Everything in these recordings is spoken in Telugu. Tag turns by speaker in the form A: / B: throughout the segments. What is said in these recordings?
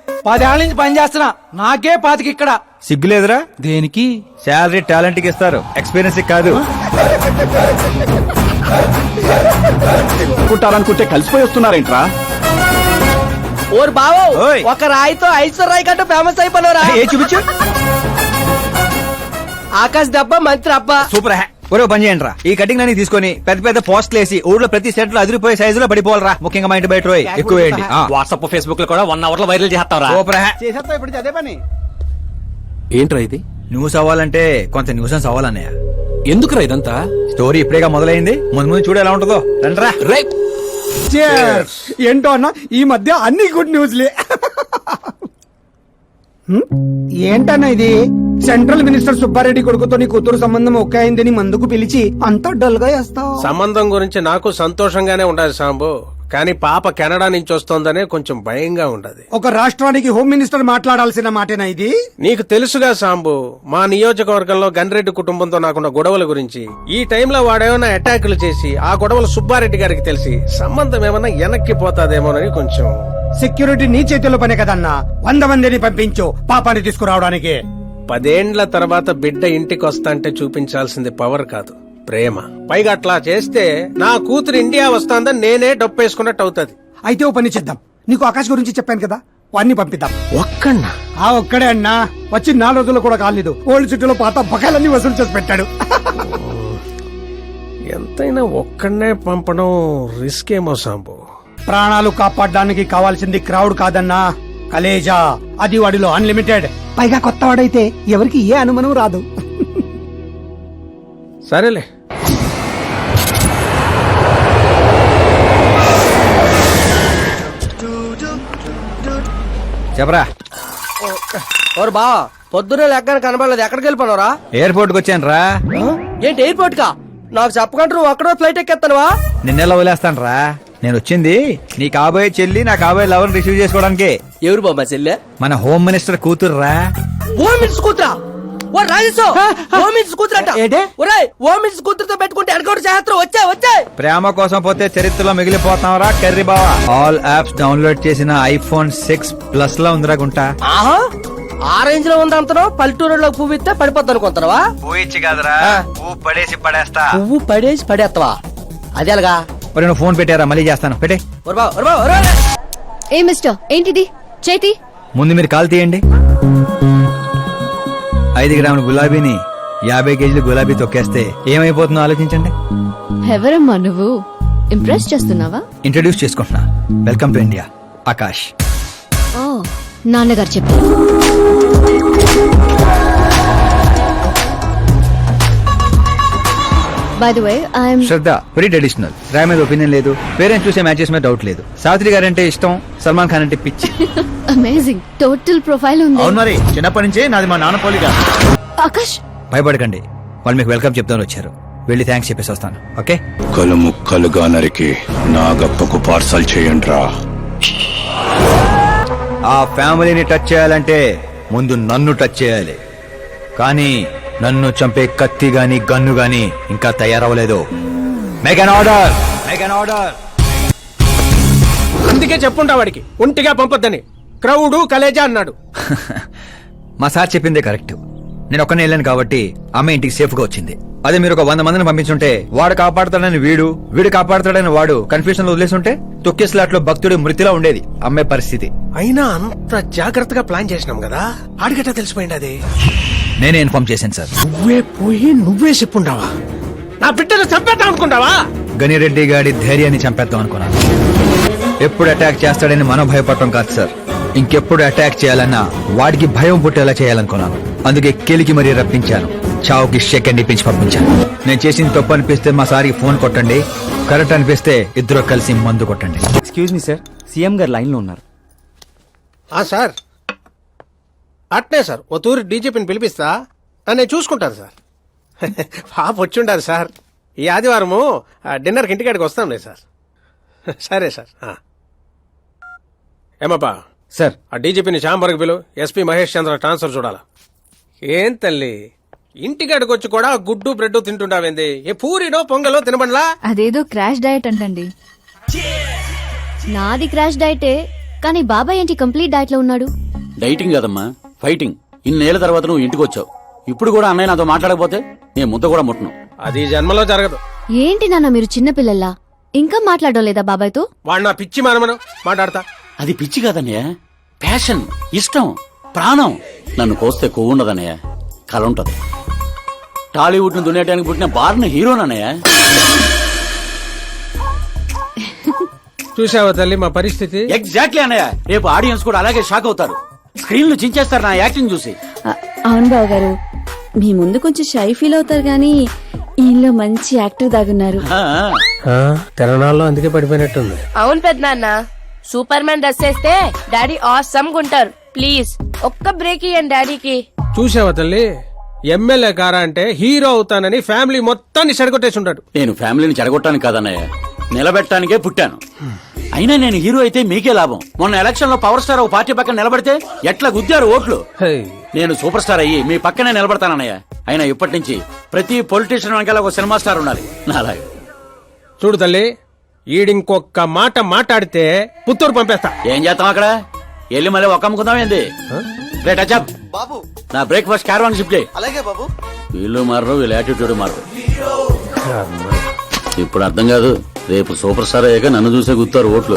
A: 10 ఏళ్ల నుంచి పని చేస్తున్నా, నాకే 25 ఇక్కడ.
B: సిగ్గులేదురా?
A: దేనికి?
B: శాలరీ టాలెంట్ కి ఇస్తారు, ఎక్స్పీరియన్స్ కాదు.
C: కుట్టాలనుకుంటే కలిసిపోయి వస్తున్నారేంట్రా?
A: ఓరు బావో,
B: ఓయ్.
A: ఒక రాయితో ఐశ్వర్ రాయ్ కంటే ఫేమస్ అయిపోయినరా?
B: ఏ చూపించు.
A: ఆకాశ్ దెబ్బ మంత్రి అబ్బా.
B: సూపర్ హ్యా. ఒరే పని చేయండి రా, ఈ కటింగ్ అన్ని తీసుకొని పెద్ద పెద్ద పోస్టులు వేసి ఊర్లో ప్రతి సెట్ లో అదిరిపోయే సైజులో పడిపోవాలరా. ముఖ్యంగా మా ఇంటి బయట రోయ్ ఎక్కువ వేయండి.
D: వాట్సాప్ ఫేస్బుక్ లో కూడా 1 అవర్ లో వైరల్ చేస్తావరా?
B: సూపర్ హ్యా.
C: చేసేస్తా ఇప్పుడు అదే పని.
D: ఏంట్రా ఇది?
B: న్యూస్ అవ్వాలంటే కొంత న్యూసెన్స్ అవ్వాలన్నయ్య.
D: ఎందుకురా ఇదంతా?
B: స్టోరీ ఇప్పుడేగా మొదలైంది, ముందు ముందు చూడు ఎలా ఉంటుందో. రండ్రా.
D: రైట్.
C: ఏంటో అన్న, ఈ మధ్య అన్ని గుడ్ న్యూస్లే. ఏంటన్నా ఇది? సెంట్రల్ మినిస్టర్ సుబ్బారెడ్డి కొడుకుతో నీ కూతురు సంబంధం ఒకే అయిందని మందుకు పిలిచి అంతా డల్ గా వేస్తావు.
E: సంబంధం గురించి నాకు సంతోషంగానే ఉండదు సాంబు, కానీ పాప కెనడా నుంచి వస్తోందనే కొంచెం భయంగా ఉండదు.
C: ఒక రాష్ట్రానికి హోమ్ మినిస్టర్ మాట్లాడాల్సిన మాటేనా ఇది?
E: నీకు తెలుసుగా సాంబు, మా నియోజకవర్గంలో గన్రెడ్డి కుటుంబంతో నాకున్న గొడవల గురించి. ఈ టైంలో వాడేమైనా అటాకులు చేసి ఆ గొడవలు సుబ్బారెడ్డి గారికి తెలిసి సంబంధం ఏమైనా వెనక్కి పోతాదేమోనని కొంచెం.
C: సెక్యూరిటీ నీ చేతిలో పనే కదన్నా. 100 మందిని పంపించు పాపాన్ని తీసుకురావడానికి.
E: 10 ఏండ్ల తర్వాత బిడ్డ ఇంటికి వస్తాంటే చూపించాల్సింది పవర్ కాదు, ప్రేమ. పైగా అట్లా చేస్తే నా కూతురు ఇండియా వస్తాందని నేనే డప్పేసుకున్నట్టు అవుతుంది.
C: అయితే ఓ పని చేద్దాం, నీకు ఆకాశ్ గురించి చెప్పాను కదా, వాడిని పంపిద్దాం.
E: ఒక్కన్నా?
C: ఆ ఒక్కడే అన్నా, వచ్చి 4 రోజులు కూడా కాలేదు, ఓల్డ్ సిటీలో పాత బకాయిలన్నీ వసూలు చేసి పెట్టాడు.
E: ఎంతైనా ఒక్కడనే పంపడం రిస్క్ ఏమో సాంబు.
C: ప్రాణాలు కాపాడడానికి కావాల్సింది క్రౌడ్ కాదన్నా, కలేజా. అది వాడిలో అన్లిమిటెడ్. పైగా కొత్త వాడైతే ఎవరికి ఏ అనుమానం రాదు.
E: సరేలే.
B: చెప్పరా.
A: ఓరు బావా, పొద్దునే లెక్కన కనబడలేదు, ఎక్కడికి వెళ్ళిపోనరా?
B: ఎయిర్పోర్ట్ కి వచ్చాను రా.
A: ఏంటి ఎయిర్పోర్ట్ కా? నాకు చెప్పకుండా నువ్వు అక్కడో ఫ్లైట్ ఎక్కేస్తానువా?
B: నిన్నెలా వదిలేస్తాను రా. నేను వచ్చింది నీ కాబోయే చెల్లి, నా కాబోయే లవర్ రిసీవ్ చేసుకోవడానికి.
A: ఎవరు బాబా చెల్లె?
B: మన హోమ్ మినిస్టర్ కూతురు రా.
A: ఓ మినిట్స్ కూతురా? ఓ రాజేశో, ఓ మినిట్స్ కూతురట. ఒరేయ్, ఓ మినిట్స్ కూతురుతో పెట్టుకుంటే ఎడగొడు చేస్తారు. వచ్చే
B: ప్రేమ కోసం పోతే చరిత్రలో మిగిలిపోతాం రా కర్రీ బావా. ఆల్ యాప్స్ డౌన్లోడ్ చేసిన ఐఫోన్ 6 ప్లస్ లా ఉందిరా గుంటా.
A: ఆహా, ఆ రేంజ్ లో ఉంది అంతను. పల్లెటూరులో పువ్వు ఇస్తే పడిపోద్ది అనుకుంటావా?
B: పోయిచ్చి కాదురా, పువ్వు పడేసి పడేస్తా.
A: పువ్వు పడేసి పడేస్తావా? అదే అలాగా.
B: మరి నువ్వు ఫోన్ పెట్టారా? మళ్ళీ చేస్తాను, పెట్టే.
F: ఏ మిస్టర్, ఏంటిది చేతి?
B: ముందు మీరు కాల్ తీయండి. 5 గ్రాముల గులాబీని 50 కేజీలు గులాబీ తొక్కేస్తే ఏమైపోతుందో ఆలోచించండి.
F: ఎవరమ్మా నువ్వు? ఇంప్రెస్ చేస్తున్నావా?
B: ఇంట్రడ్యూస్ చేసుకుంటున్నా. Welcome to India, Akash.
F: ఓ, నాన్నగారు చెప్పారు. By the way, I'm
B: Shraddha. Very traditional. Rai మీద ఒపీనియన్ లేదు, పేరెంట్స్ చూసే మ్యాచెస్ మీద డౌట్ లేదు. సావిత్రి గారు అంటే ఇష్టం, సల్మాన్ ఖాన్ అంటే పిచ్చి.
F: అమేజింగ్ టోటల్ ప్రొఫైల్ ఉంది.
B: అవును మరి, చిన్నప్పటి నుంచే నాది మా నాన్న పోలిగా.
F: ఆకాష్,
B: భయపడకండి, వాళ్ళు మీకు వెల్కమ్ చెప్తాను వచ్చారు. వెళ్ళి థ్యాంక్స్ చెప్పేసి వస్తాను. ఓకే.
G: ముక్కలు ముక్కలుగా నరికి నాగప్పకు పార్సల్ చేయండిరా.
B: ఆ ఫ్యామిలీని టచ్ చేయాలంటే ముందు నన్ను టచ్ చేయాలి. కానీ నన్ను చంపే కత్తి గాని గన్ను గాని ఇంకా తయారవలేదు. Make an order, make an order.
E: అందుకే చెప్పుంటా వాడికి ఒంటిగా పంపొద్దని. క్రౌడు కలేజా అన్నాడు.
B: మా సార్ చెప్పిందే కరెక్ట్. నేను ఒక్కనే వెళ్ళాను కాబట్టి అమ్మ ఇంటికి సేఫ్ గా వచ్చింది. అదే మీరు ఒక 100 మందిని పంపించుంటే వాడు కాపాడతాడని వీడు కాపాడతాడని వాడు కన్ఫ్యూజన్ లో వదిలేసుంటే తొక్కేస్లాట్లో భక్తుడి మృతిలా ఉండేది అమ్మాయి పరిస్థితి.
E: అయినా అంత జాగ్రత్తగా ప్లాన్ చేసినాం కదా, ఆడిగట్టా తెలిసిపోయింది. అది
B: నేనే ఇన్ఫార్మ్ చేశాను సార్.
E: నువ్వే పోయి నువ్వే చెప్పుంటావా? నా బిడ్డను చంపేద్దాం అనుకుంటావా?
B: గనిరెడ్డి గాడి ధైర్యాన్ని చంపేద్దాం అనుకున్నాను. ఎప్పుడు అటాక్ చేస్తాడని మనం భయపడటం కాదు సార్, ఇంకెప్పుడు అటాక్ చేయాలన్నా వాడికి భయం పుట్టేలా చేయాలనుకున్నాను. అందుకే కెలికి మరీ రప్పించాను, చావుకి సెకండ్ ఇప్పించి పంపించాను. నేను చేసిన తప్పు అనిపిస్తే మా సార్కి ఫోన్ కొట్టండి, కరెక్ట్ అనిపిస్తే ఇద్దరు కలిసి మందు కొట్టండి.
D: ఎక్స్క్యూజ్ మీ సార్, సీఎం గారు లైన్ లో ఉన్నారు.
E: సార్ అట్నే సార్, ఓ తూరి డీజీపీని పిలిపిస్తా, నేను చూసుకుంటాను సార్. పాప వచ్చిండారు సార్. ఈ ఆదివారము డిన్నర్కి ఇంటికాడికి వస్తాంలే సార్. సరే సార్. ఏమప్పా
D: సార్,
E: ఆ డీజీపీని చాంబర్కి పిలు, ఎస్పీ మహేష్ చంద్ర ట్రాన్స్ఫర్ చూడాలా. ఏం తల్లి, ఇంటికాడికి వచ్చి కూడా గుడ్డు బ్రెడ్ తింటుంటావేంది? ఏ పూరినో పొంగలో తినబండ్లా?
F: అదేదో క్రాష్ డయట్ అంటండి. నాది క్రాష్ డయటే, కానీ బాబాయ్ ఏంటి కంప్లీట్ డైట్ లో ఉన్నాడు?
H: డైటింగ్ కదమ్మా, ఫైటింగ్. ఇన్నేళ్ల తర్వాత నువ్వు ఇంటికి వచ్చావు. ఇప్పుడు కూడా అన్నయ్య నాతో మాట్లాడకపోతే నేను ముద్ద కూడా ముట్టను.
E: అది జన్మలో జరగదు.
F: ఏంటి నాన్న మీరు చిన్నపిల్లల్లా ఇంకా మాట్లాడడం లేదా బాబాయ్తో?
E: వాడు నా పిచ్చి మనమను మాట్లాడతా.
H: అది పిచ్చి కాదన్నయ్య, ప్యాషన్, ఇష్టం, ప్రాణం. నన్ను కోస్తే కొవ్వు ఉండదన్నయ్య, కల ఉంటది. టాలీవుడ్ ను దున్నేయడానికి పుట్టిన బార్న హీరోనన్నయ్య.
E: చూసావా తల్లి మా పరిస్థితి?
H: ఎగ్జాక్ట్లీ అన్నయ్య. రేపు ఆడియన్స్ కూడా అలాగే షాక్ అవుతారు. స్క్రీన్లు చించేస్తారు నా యాక్టింగ్ చూసి.
I: అవును బావ గారు, మీ ముందు కొంచెం షై ఫీల్ అవుతారు గానీ ఈయనలో మంచి యాక్టర్ దాగున్నారు.
E: తెలంగాణలో అందుకే పడిపోయినట్టుంది.
J: అవును పెద్దనాన్న, సూపర్ మ్యాన్ డ్రెస్ వేస్తే డాడీ ఆసమ్ గుంటారు. ప్లీజ్ ఒక్క బ్రేక్ ఇయ్యండి డాడీకి.
E: చూసావా తల్లి, ఎమ్మెల్యే కారా అంటే హీరో అవుతానని ఫ్యామిలీ మొత్తాన్ని చెడగొట్టేసి ఉంటాడు.
H: నేను ఫ్యామిలీని చెడగొట్టానికి కాదన్నయ్య, నిలబెట్టడానికే పుట్టాను. అయినా నేను హీరో అయితే మీకే లాభం. మొన్న ఎలక్షన్ లో పవర్ స్టార్ ఒక పార్టీ పక్కన నిలబడితే ఎట్లా గుద్దారు ఓట్లు. నేను సూపర్ స్టార్ అయ్యి మీ పక్కనే నిలబడతానన్నయ్య. అయినా ఇప్పటి నుంచి ప్రతి పొలిటీషియన్ వెనకాల ఒక సినిమా స్టార్ ఉండాలి నాలాగా.
E: చూడు తల్లి, ఈడింకొక్క మాట మాట్లాడితే పుత్తూరు పంపేస్తా.
H: ఏం చేస్తాం అక్కడ? వెళ్ళి మళ్ళీ ఒక అమ్ముకుందాం ఏంది? రేట్ అచ్చప్
A: బాబు
H: నా బ్రేక్ఫాస్ట్ క్యారవాన్ షిఫ్ట్ చేయి.
A: అలాగే బాబు.
H: వీళ్ళు మారరు, వీళ్ళ యాటిట్యూడ్ మారరు. ఇప్పుడు అర్థం కాదు, రేపు సూపర్ స్టార్ అయ్యాక నన్ను చూసే గుర్తారు ఓట్లు.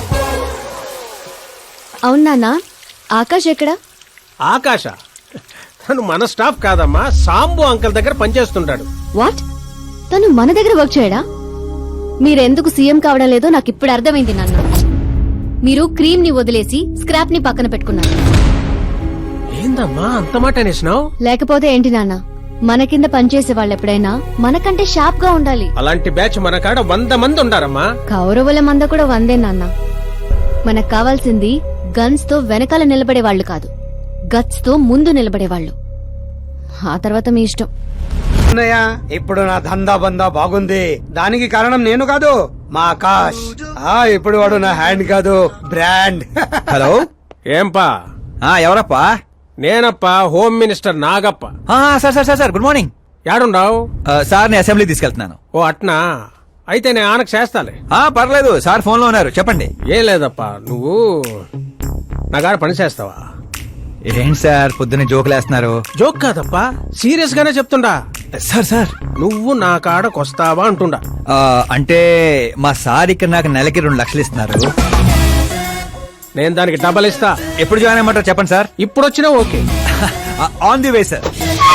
F: అవును నాన్న, ఆకాష్ ఎక్కడా?
E: ఆకాశ తను మన స్టాఫ్ కాదమ్మా, సాంబు అంకల్ దగ్గర పనిచేస్తుంటాడు.
F: వాట్? తను మన దగ్గర వర్క్ చేయడా? మీరెందుకు సీఎం కావడం లేదో నాకు ఇప్పుడు అర్థమైంది నాన్న. మీరు క్రీమ్ ని వదిలేసి స్క్రాప్ ని పక్కన పెట్టుకున్నారు.
E: ఏందమ్మా అంత మాట అనేసినావు?
F: లేకపోతే ఏంటి నాన్న, మన కింద పనిచేసే వాళ్ళు ఎప్పుడైనా మనకంటే షార్ప్ గా ఉండాలి.
E: అలాంటి బ్యాచ్ మన కాడ 100 మంది ఉండారమ్మా.
F: కౌరవుల మంద కూడా 100 నాన్న. మనకు కావాల్సింది గన్స్ తో వెనకాల నిలబడే వాళ్ళు కాదు, గట్స్ తో ముందు నిలబడే వాళ్ళు. ఆ తర్వాత మీ ఇష్టం.
C: అన్నయ్య, ఇప్పుడు నా దందా బందా బాగుంది. దానికి కారణం నేను కాదు, మా ఆకాష్. ఇప్పుడు వాడు నా హ్యాండ్ కాదు, బ్రాండ్.
B: హలో,
E: ఏంపా?
B: ఎవరప్పా?
E: నేనప్ప, home minister Nagappa.
B: Sir sir sir sir, good morning.
E: యాడుండావు?
B: సార్ ని అసెంబ్లీ తీసుకెళ్తున్నాను.
E: ఓ అట్నా, అయితే నేను ఆనకు చేస్తాలే.
B: పర్లేదు సార్, ఫోన్ లో ఉన్నారు, చెప్పండి.
E: ఏం లేదప్పా, నువ్వు నా కాడ పని చేస్తావా?
B: ఏంటి సార్ పొద్దున్నే జోకులేస్తున్నారు?
E: జోక్ కాదప్పా, సీరియస్ గానే చెప్తుండా.
B: సార్ సార్,
E: నువ్వు నా కాడకొస్తావా అంటుండా.
B: అంటే మా సార్ ఇక్కడ నాకు నెలకి 2 లక్షలు ఇస్తున్నారు.
E: నేను దానికి డబల్ ఇస్తా.
B: ఎప్పుడు జాయిన్ అయ్యమంటారు చెప్పండి సార్.
E: ఇప్పుడు వచ్చినా okay.
B: On the way sir.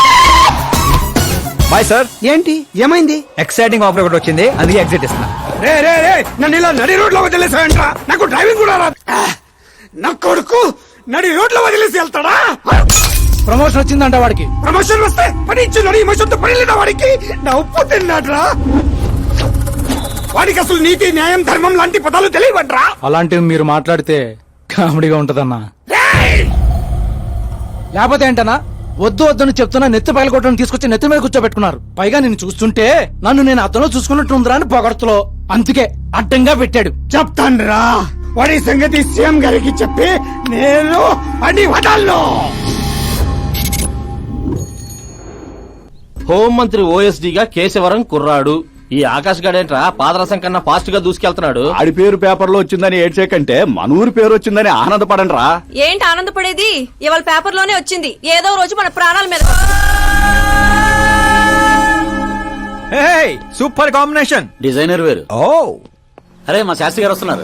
B: Bye sir.
C: ఏంటి ఏమైంది?
B: ఎక్సైటింగ్ ఆఫర్ ఒకటి వచ్చింది, అందుకే ఎగ్జిట్ ఇస్తున్నా.
C: రే రే రే, నన్ను ఇలా నడి రోడ్ లో వదిలేసాయంట్రా. నాకు డ్రైవింగ్ కూడా రాదు. నా కొడుకు నడి రోడ్ లో వదిలేసి వెళ్తాడా? ప్రమోషన్ వచ్చిందంట వాడికి. ప్రమోషన్ వస్తే పని ఇచ్చిన ఇమోషన్ తో పని లేదా వాడికి? నా ఉప్పు తిన్నాడ్రా. వాడికి అసలు నీతి, న్యాయం, ధర్మం లాంటి పదాలు తెలియవట్రా.
D: అలాంటివి మీరు మాట్లాడితే కామెడీగా ఉంటదన్నా. లేకపోతే ఏంటన్నా, వద్దు వద్దని చెప్తున్నా నెత్తి పగల కొట్టని తీసుకొచ్చి నెత్తి మీద కూర్చోబెట్టుకున్నారు. పైగా నేను చూస్తుంటే నన్ను నేను అతను చూసుకున్నట్టుందిరా అని పొగడతలో, అందుకే అడ్డంగా పెట్టాడు.
C: చెప్తాన్రా, వాడి సంగతి సీఎం గారికి చెప్పి నేను అన్ని వదల్లో.
H: హోంమంత్రి ఓఎస్డీగా కేశవరం కుర్రాడు. ఈ ఆకాశ్ గడేంట్రా పాదరసం కన్నా ఫాస్ట్ గా దూసుకెళ్తున్నాడు.
G: ఆడి పేరు పేపర్ లో వచ్చిందని ఏడ్చేకంటే మన ఊరి పేరు వచ్చిందని ఆనందపడండి రా.
J: ఏంటి ఆనందపడేది? ఇవాళ పేపర్ లోనే వచ్చింది. ఏదో రోజు మన ప్రాణాల మీద.
B: Super combination.
H: డిజైనర్ వేరు.
B: ఓ,
H: అరే మా శాస్త్రి గారు వస్తున్నారు.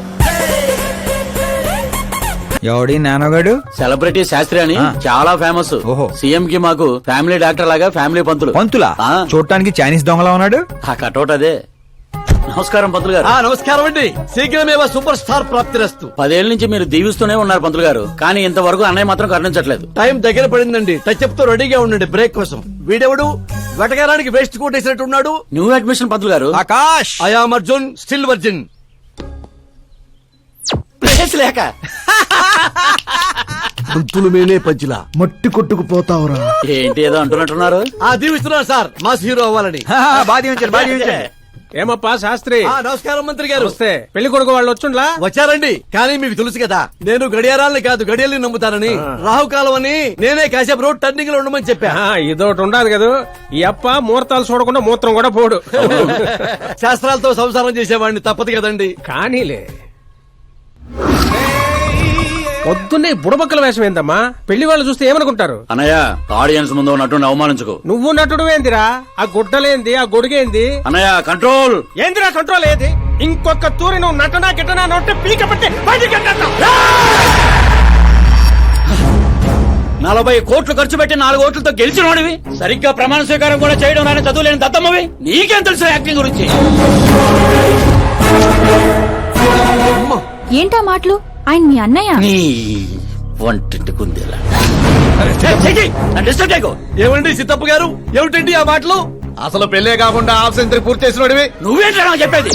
B: ఎవడి నానోగాడు?
H: సెలబ్రిటీ శాస్త్రి అని చాలా ఫేమస్.
B: ఓహో.
H: సీఎం కి మాకు ఫ్యామిలీ డాక్టర్ లాగా ఫ్యామిలీ పంతులు.
B: పంతులా?
H: ఆ.
B: చూడటానికి చైనీస్ దొంగలా ఉన్నాడు.
H: ఆ కటౌట్ అదే. నమస్కారం పంతులు గారు.
A: నమస్కారం అండి. శీఘ్రమే సూపర్ స్టార్ ప్రాప్తిరస్తు.
H: 10 ఏళ్ల నుంచి మీరు దీవిస్తూనే ఉన్నారు పంతులు గారు, కానీ ఇంతవరకు అన్నయ్య మాత్రం కరుణించట్లేదు.
A: టైం దగ్గర పడిందండి. టచ్ తో రెడీగా ఉండండి బ్రేక్ కోసం. వీడెవడు వెటకారానికి వేస్ట్ కోట్ వేసినట్టున్నాడు.
H: న్యూ అడ్మిషన్ పంతులు గారు.
B: Akash,
A: I'm Arjun, still virgin.
H: Place లేక
A: పంతులు మేనే పంచిలా మట్టి కొట్టుకుపోతావురా.
H: ఏంటి ఏదో అంటున్నట్టున్నారు?
A: దీవిస్తున్నాను సార్, మాస్ హీరో అవ్వాలని.
B: బాగా దీవించండి.
E: ఏమప్పా శాస్త్రి?
A: నమస్కారం మంత్రి గారు.
E: వస్తే పెళ్లి కొడుకు వాళ్ళు వచ్చుండ్లా?
A: వచ్చారండి, కానీ మీకు తెలుసు కదా నేను గడియారాలని కాదు గడియల్ని నమ్ముతానని. రాహుకాలం అని నేనే కాసేపు రోడ్ టర్నింగ్ లో ఉండమని చెప్పా.
E: ఇదొకటి ఉండదు కదా, ఈ అప్ప ముహూర్తాలు చూడకుండా మూత్రం కూడా పోడు.
A: శాస్త్రాలతో సంసారం చేసేవాడిని, తప్పదు కదండి.
E: కానీలే. పొద్దున్నే ఈ బుడబక్కల వేషం ఏందమ్మా? పెళ్లి వాళ్ళు చూస్తే ఏమనుకుంటారు?
H: అన్నయ్య ఆడియన్స్ ముందు నటుని అవమానించుకో.
E: నువ్వు నటుడు ఏందిరా? ఆ గుడ్డలేంది, ఆ గొడుగేంది?
H: అన్నయ్య కంట్రోల్.
E: ఏందిరా కంట్రోల్ ఏది? ఇంకొక తూరి నువ్వు నటనా గిట్టనా నోటే పీక పట్టి బయటికి గెంటేస్తా.
H: 40 కోట్లు ఖర్చు పెట్టి 4 ఓట్లతో గెలిచిన వాడివి, సరిగ్గా ప్రమాణ స్వీకారం కూడా చేయడం నాని చదువులేని దత్తమ్మవి, నీకేం తెలుసు యాక్టింగ్ గురించి?
I: ఏంటా మాటలు? ఆయన మీ అన్నయ్య.
H: నీ వంటింటి కుందేలా డిస్టర్బ్ చేయకు.
D: ఏమండి సిద్ధప్ప గారు, ఏమిటండి ఆ మాటలు? అసలు పెళ్లే కాకుండా హాఫ్ సెంచరీ పూర్తి చేసిన
H: నువ్వేంటా నాకు చెప్పేది?